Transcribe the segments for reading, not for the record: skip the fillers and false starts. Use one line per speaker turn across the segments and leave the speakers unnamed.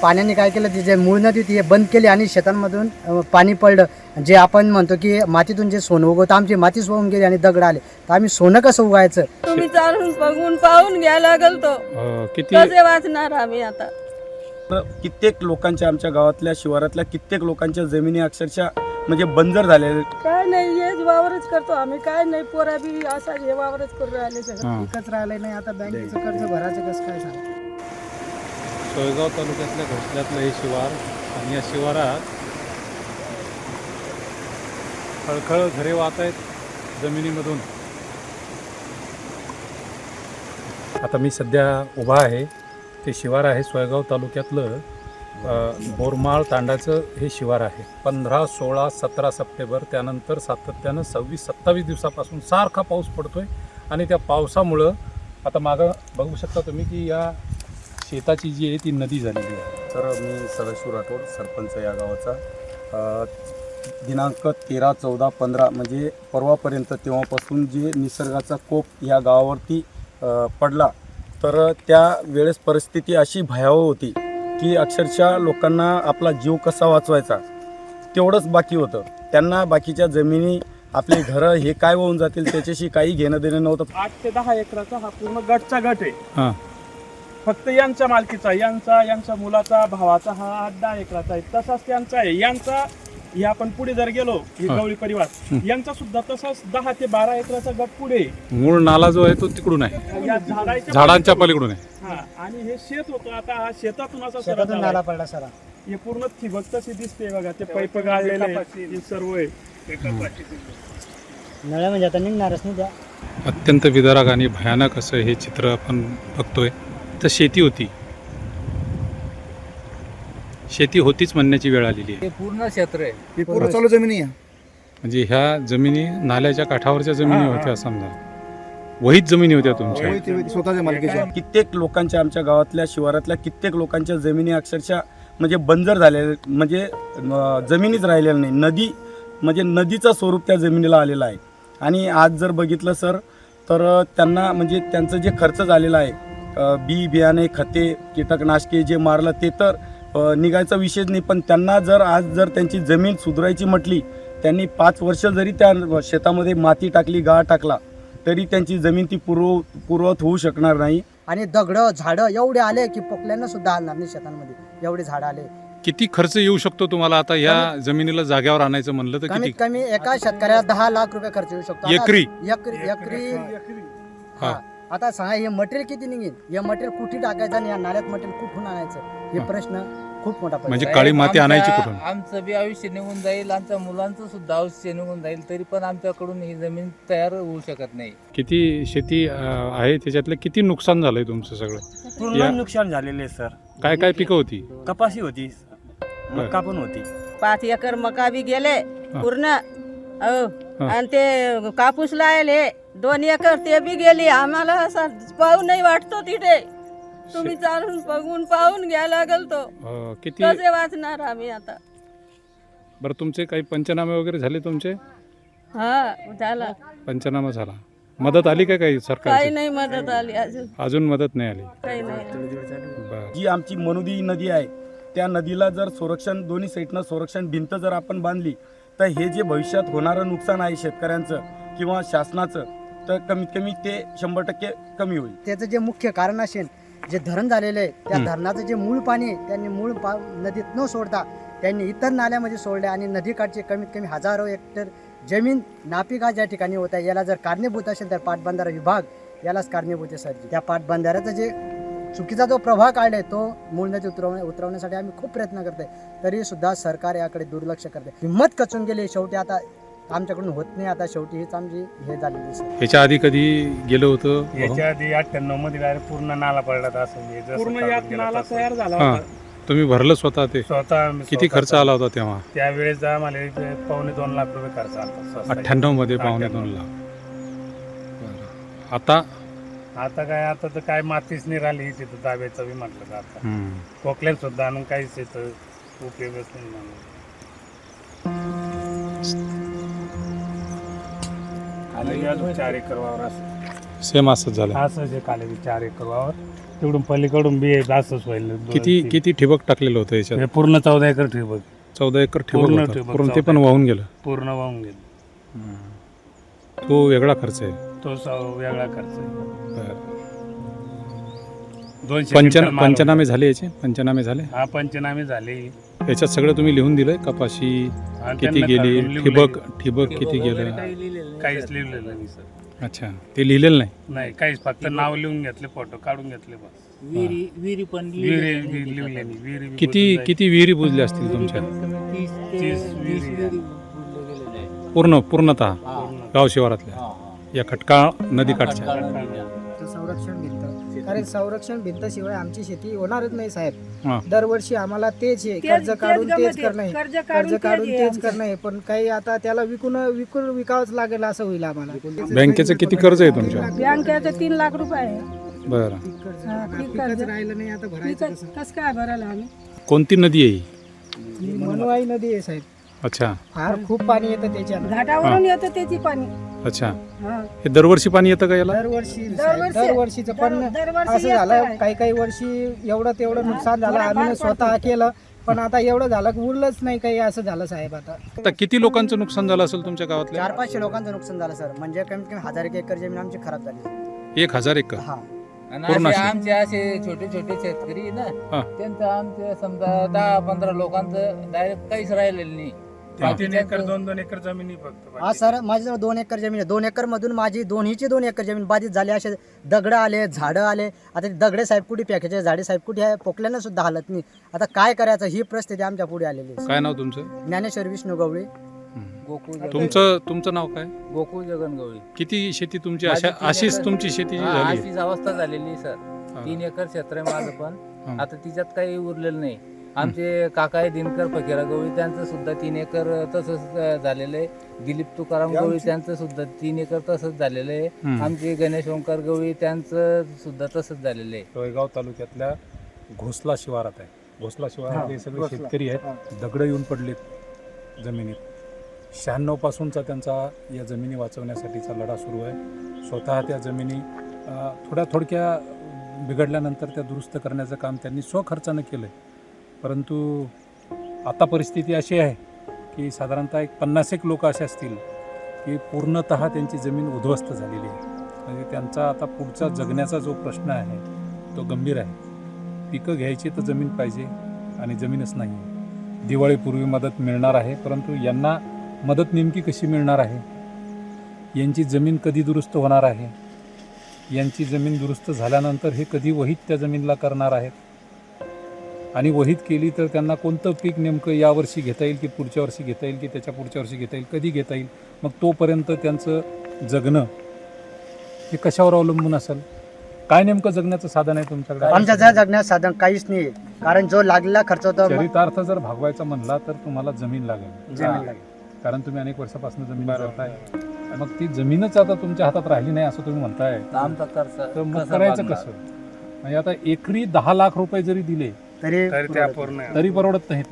पाण्याने काय केलं, ती जे मूळ नदी होती हे बंद केली आणि शेतांमधून पाणी पडलं. जे आपण म्हणतो की मातीतून जे सोनं उगवतं, आमची माती सोडून गेली आणि दगड आले, तर आम्ही सोनं कसं उगायचं?
तुम्ही चालून बघून पाहून घ्यायला लागल तो
किती
कसे वाचणार आम्ही आता?
कित्येक लोकांच्या, आमच्या गावातल्या शिवारातल्या कित्येक लोकांच्या जमिनी अक्षरशः म्हणजे बंजर झालेल्या.
काय नाही, हेच वावरच करतो आम्ही, काय नाही, पोरा बी असा हे वावरच करून राहिले सगळं.
एकच राहिलं नाही, आता बँकेचं कर्ज भरायचं कसं काय सांग?
सोयगाव तालुक्यातल्या घोसल्यातलं हे शिवार आणि या शिवारात खळखळ झरे वाहत आहेत जमिनीमधून. आता मी सध्या उभा आहे, ते शिवार आहे सोयगाव तालुक्यातलं बोरमाळ तांडाचं हे शिवार आहे. 15, 16, 17 सप्टेंबर त्यानंतर सातत्यानं 26-27 दिवसापासून सारखा पाऊस पडतोय आणि त्या पावसामुळं आता मागं बघू शकता तुम्ही की या शेताची जी आहे ती नदी झालेली आहे.
तर मी सदाशिव राठोड, सरपंच या गावाचा. दिनांक 13, 14, 15 म्हणजे परवापर्यंत तेव्हापासून जे निसर्गाचा कोप या गावावरती पडला, तर त्या वेळेस परिस्थिती अशी भयावह होती की अक्षरशः लोकांना आपला जीव कसा वाचवायचा तेवढंच बाकी होतं. त्यांना बाकीच्या जमिनी, आपले घरं हे काय होऊन जातील त्याच्याशी काही घेणं देणं नव्हतं.
8 ते 10 एकराचा हा पूर्ण गटचा गट आहे.
हां,
फक्त यांच्या मालकीचा, यांच्या मुलाचा, भावाचा हा 8-10 एकराचा आहे. तसाच त्यांचा आहे, यांचा. हे आपण पुढे जर गेलो, ही
हा.
गवळी परिवार, यांचा सुद्धा तसाच 10 ते 12 एकराचा गट पुढे आहे.
मूळ नाला जो आहे तो तिकडून आहे,
या
झाडांच्या पलीकडून आहे.
हा, आणि हे शेत होतं. आता हा शेतातून असा सरळ
शेतातून
झाला
नाला
आहे.
पडला सरा.
हे पूर्ण ठिबक तशी दिसते बघा, ते पैप गाळलेले हे सर्व आहे.
नळ्या म्हणजे आता निघणारच नाही त्या.
अत्यंत विदारक आणि भयानक असं हे चित्र आपण बघतोय. तर शेती होती, शेती होतीच म्हणण्याची वेळ आलेली आहे.
हे पूर्ण क्षेत्र आहे.
ही पूर्ण चालू जमिनी आहे.
म्हणजे ह्या जमिनी नाल्याच्या काठावरच्या जमिनी होत्या, समजा वहीत जमिनी होत्या तुमच्या.
स्वतःच्या मालकीच्या.
कित्येक लोकांच्या, आमच्या गावातल्या शिवारातल्या कित्येक लोकांच्या जमिनी अक्षरशः म्हणजे बंजर झालेल्या, म्हणजे जमिनीच राहिलेल्या नाही. नदी म्हणजे नदीचं स्वरूप त्या जमिनीला आलेलं आहे. आणि आज जर बघितलं सर, तर त्यांना म्हणजे त्यांचं जे खर्च झालेला आहे, बी बियाणे, खते, कीटकनाशके जे मारलं ते तर निघायचा विषयच नाही. पण त्यांना जर आज जर त्यांची जमीन सुधारायची म्हटली, त्यांनी 5 वर्ष जरी त्या शेतामध्ये माती टाकली, गाळ टाकला, तरी त्यांची जमीन ती पूर्वत होऊ शकणार नाही.
आणि दगडं झाडं एवढे आले की पोकल्यांना सुद्धा आणणार नाही शेतांमध्ये, एवढे झाडं आले.
किती खर्च येऊ शकतो तुम्हाला आता या जमिनीला जागेवर आणायचं म्हणलं तर?
कमीत
किती?
कमी एका शेतकऱ्याला 10 लाख रुपये खर्च येऊ शकतो. आता
एकरी?
एकरी.
हा.
हा. आता सांगा, हे मटेरियल किती निघेल? हे मटेरियल कुठे टाकायचं आणि या नाल्यात मटेरियल कुठून आणायचं, हे प्रश्न खूप मोठा प्रश्न.
म्हणजे काळी माती आणायची कुठून?
आमचं बी आयुष्य निघून जाईल, आमच्या मुलांचं सुद्धा आयुष्य निघून जाईल, तरी पण आमच्याकडून ही जमीन तयार होऊ शकत नाही.
किती शेती आहे, त्याच्यातलं किती नुकसान झालंय तुमचं सगळं?
पूर्ण नुकसान झालेले आहे सर.
काय काय पिकं होती?
कपाशी होती, मका पण होती.
5 एकर मका बी गेले पूर्ण.
हा.
आणि ते कापूस लायले 2 एकर ते बी गेली. आम्हाला असा पाहू नाही वाटतो तिथे. तुम्ही चालून बघून पाहून घ्यायला लागल तो
किती?
कसे वाचणार आम्ही आता?
बरं, तुमचे काही पंचनामे वगैरे झाले तुमचे?
हा, झाला.
पंचनामा झाला. मदत आली का काही
काही
सरकारची?
नाही मदत आली अजून,
अजून मदत नाही आली.
काही नाही.
बरं.
जी आमची मनुदी नदी आहे, त्या नदीला जर संरक्षण, दोन्ही साईडनं संरक्षण भिंत जर आपण बांधली, तर हे जे भविष्यात होणारं नुकसान आहे शेतकऱ्यांचं किंवा शासनाचं, तर कमीत कमी ते 100% कमी होईल.
त्याचं जे मुख्य कारण असेल, जे धरण झालेलं आहे, त्या धरणाचं जे मूळ पाणी आहे, त्यांनी मूळ नदीत न सोडता त्यांनी इतर नाल्यामध्ये सोडले आणि नदीकाठचे कमीत कमी हजारो हेक्टर जमीन नापिका ज्या ठिकाणी होत्या, याला जर कारणीभूत असेल तर पाटबंधारा विभाग यालाच कारणीभूत आहे सर. त्या पाटबंधाऱ्याचा जे चुकीचा जो प्रभाव काढलाय, तो मूळ नदी उतरवण्यासाठी आम्ही खूप प्रयत्न करतोय, तरी सुद्धा सरकार याकडे दुर्लक्ष करते. हिंमत खचून गेली. शेवटी आता आमच्याकडून होत नाही, आता शेवटी हीच आमची हे झालेली सर.
ह्याच्या आधी कधी गेलं होतं?
याच्या आधी 98 मध्ये डायरेक्ट पूर्ण नाला पडला असं. पूर्ण यात नाला तयार झाला
हां,
होता.
तुम्ही भरलं स्वतः ते?
स्वतः
किती खर्च आला होता तेव्हा?
त्यावेळेस आम्हाला 2.25 लाख रुपये खर्च आला.
98 मध्ये 2.25 लाख. बरं. आता
काय, आता तर काय मातीच नाही राहिली तिथं ताब्याचं बी म्हटलं तर. आता कोकल्यात सुद्धा आणून काहीच तिथं उपयोगच नाही म्हणून. अजून 4 एकर वावर असं.
सेम असंच झालं.
असं जे काले 4 एकर वावर तिकडून पलीकडून बी असंच होईल.
किती ठिबक टाकलेलं होतं याच्यात?
हे पूर्ण 14 एकर ठिबक
14 एकर
पूर्ण
ठिबक होतं.
ठिबक,
पूर्ण ते
14
पण वाहून गेलं.
पूर्ण वाहून गेलं.
तो वेगळा खर्च आहे.
तो वेगळा खर्च आहे.
बरं.
200 क्विंटल माल
पंचनामे झाले याचे? पंचनामे झाले?
होता. हा पंचनामे झाले.
याच्यात सगळं तुम्ही लिहून दिलंय? कपाशी
हा,
किती
त्यांना
गेली,
लिहून
ठिबक किती गेलं?
काहीच लिहिलेलं नाही सर.
अच्छा, ते लिहिलेलं नाही?
नाही काहीच, फक्त नाव लिहून घेतले, फोटो काढून घेतले बस.
विहिरी पण
विहिरी लिहिली नाही. विहिरी बी
किती
बुजून
किती विहिरी बुजल्या असतील तुमच्या?
30 विहिरी
पूर्णतः गाव शिवारातल्या या खटकाळ नदीकाठच्या?
संरक्षण भिंत, कारण संरक्षण भिंत शिवाय आमची शेती होणारच नाही साहेब.
हां.
दरवर्षी आम्हाला तेच आहे, कर्ज काढून तेच करणं आहे, कर्ज काढून तेच करणं आहे. पण काही आता त्याला विकावंच लागेल असं होईल आम्हाला.
बँकेचं किती कर्ज आहे तुमच्या?
बँकेचं 3 लाख रुपये आहे.
बरं.
पिकच राहिलं नाही, आता भरायचं कसं?
कसं काय भरायला आम्ही?
कोणती नदी आहे ही?
ही मनवाई नदी आहे साहेब.
अच्छा
फार खूप पाणी येतं त्याच्यात.
घाटावरून येतं त्याची पाणी.
अच्छा,
हा.
हे दरवर्षी पाणी येतं का याला?
दरवर्षीचं पण असं झालं, काही वर्षी एवढं तेवढं नुकसान झालं, आम्ही स्वतः केलं, पण आता एवढं झालं की उरलंच नाही काही, असं झालं साहेब.
आता किती लोकांचं नुकसान झालं असेल तुमच्या गावातल्या?
400-500 लोकांचं नुकसान झालं सर. म्हणजे कमीत कमी 1000 एकर जमीन आमची खराब झाली.
1000 एकर?
हा.
पूर्ण
आणि
अशी?
आमचे असे छोटे छोटे शेतकरी आहे
हा.
ना, त्यांचं आमचे समजा 10-15 लोकांचं डायरेक्ट काहीच राहिलेलं नाही.
3 एकर 2-2 एकर जमिनी फक्त.
हा सर, माझ्याजवळ 2 एकर जमीन आहे. 2 एकर मधून माझी दोन्हीची 2 एकर जमीन बाधित झाली. असे दगड आले, झाडं आले. आता ते दगडे साहेब कुठे फेकायचे, झाडे साहेब कुठे आहे, पोकल्यानं सुद्धा हालत नाही. आता काय करायचं ही परिस्थिती आमच्या पुढे आलेली आहे.
काय नाव तुमचं?
ज्ञानेश्वर विष्णू गवळी.
तुमचं नाव काय?
गोकुळ जगन गवळी.
किती शेती तुमची?
माझी 3
अशीच
एकर.
तुमची शेती
हा,
झाली?
अशीच अवस्था झालेली सर. 3 एकर क्षेत्र आहे माझं पण. आता तिच्यात काही उरलेलं नाही. आमचे काका आहे दिनकर फकीरा गवळी, त्यांचं सुद्धा 3 एकर तसंच झालेलं आहे. दिलीप तुकाराम गवळी, त्यांचं सुद्धा 3 एकर तसंच झालेलं आहे. आमचे गणेश ओंकार गवळी, त्यांचं सुद्धा तसंच झालेलं आहे.
सोयगाव तालुक्यातल्या घोसला शिवारात आहे. घोसला शिवारात हे सगळे शेतकरी आहेत. दगड येऊन पडलेत जमिनीत. 96 पासूनचा त्यांचा या जमिनी वाचवण्यासाठीचा लढा सुरू आहे. स्वतः त्या जमिनी थोड्या बिघडल्यानंतर त्या दुरुस्त करण्याचं काम त्यांनी स्वखर्चानं केलं आहे. परंतु आता परिस्थिती अशी आहे की साधारणतः 50 लोक असे असतील की पूर्णतः त्यांची जमीन उद्ध्वस्त झालेली आहे. म्हणजे त्यांचा आता पुढचा जगण्याचा जो प्रश्न आहे तो गंभीर आहे. पिकं घ्यायची तर जमीन पाहिजे आणि जमीनच नाही. दिवाळीपूर्वी मदत मिळणार आहे, परंतु यांना मदत नेमकी कशी मिळणार आहे? यांची जमीन कधी दुरुस्त होणार आहे? यांची जमीन दुरुस्त झाल्यानंतर हे कधी वहीत त्या जमीनला करणार आहेत? आणि वहीत केली तर त्यांना कोणतं पीक नेमकं यावर्षी घेता येईल की पुढच्या वर्षी घेता येईल की त्याच्या पुढच्या वर्षी घेता येईल, कधी घेता येईल? मग तोपर्यंत त्यांचं जगणं हे कशावर अवलंबून असेल? काय नेमकं जगण्याचं साधन आहे तुमच्याकडे?
आमच्या जगण्याचं साधन काहीच नाही, कारण जो लागलेला खर्च होता
चरितार्थ जर भागवायचा म्हणला तर तुम्हाला जमीन लागेल.
जमीन लागेल.
कारण तुम्ही अनेक वर्षापासून जमीन करताय. मग ती जमीनच आता तुमच्या हातात राहिली नाही असं तुम्ही म्हणताय,
आमचा खर्च
तर मग
कसा
करायचं
भागणार?
कसं? म्हणजे आता एकरी 10 लाख रुपये जरी दिले
तरी
तरी त्या पूर्ण
तरी परवडत नाहीत.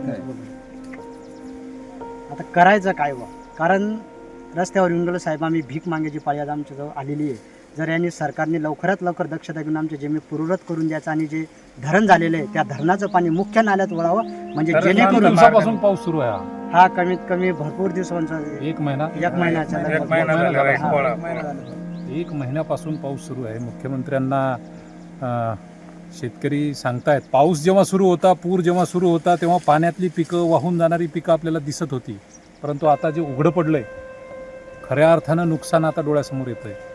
आता करायचं काय बा? कारण रस्त्यावर येऊन गेलो साहेब, आम्ही भीक मागायची पाळी आज आमच्याजवळ आलेली आहे. जर यांनी सरकारने लवकरात लवकर दक्षता घेऊन आमच्या जमीन पूर्ववत करून द्यायचं आणि जे धरण झालेलं आहे त्या धरणाचं पाणी मुख्य नाल्यात वळावं, म्हणजे
किती
जेणेकरून
दिवसापासून पाऊस सुरू आहे हा?
हा कमीत कमी भरपूर दिवसांचा
1 महिना?
1 महिन्याचा
एक महिना झाला, एक पोळा.
1 महिन्यापासून पाऊस सुरू आहे. मुख्यमंत्र्यांना शेतकरी सांगतायत, पाऊस जेव्हा सुरू होता, पूर जेव्हा सुरू होता, तेव्हा पाण्यातली पिकं, वाहून जाणारी पिकं आपल्याला दिसत होती. परंतु आता जे उघडं पडलंय, खऱ्या अर्थानं नुकसान आता डोळ्यासमोर येतंय.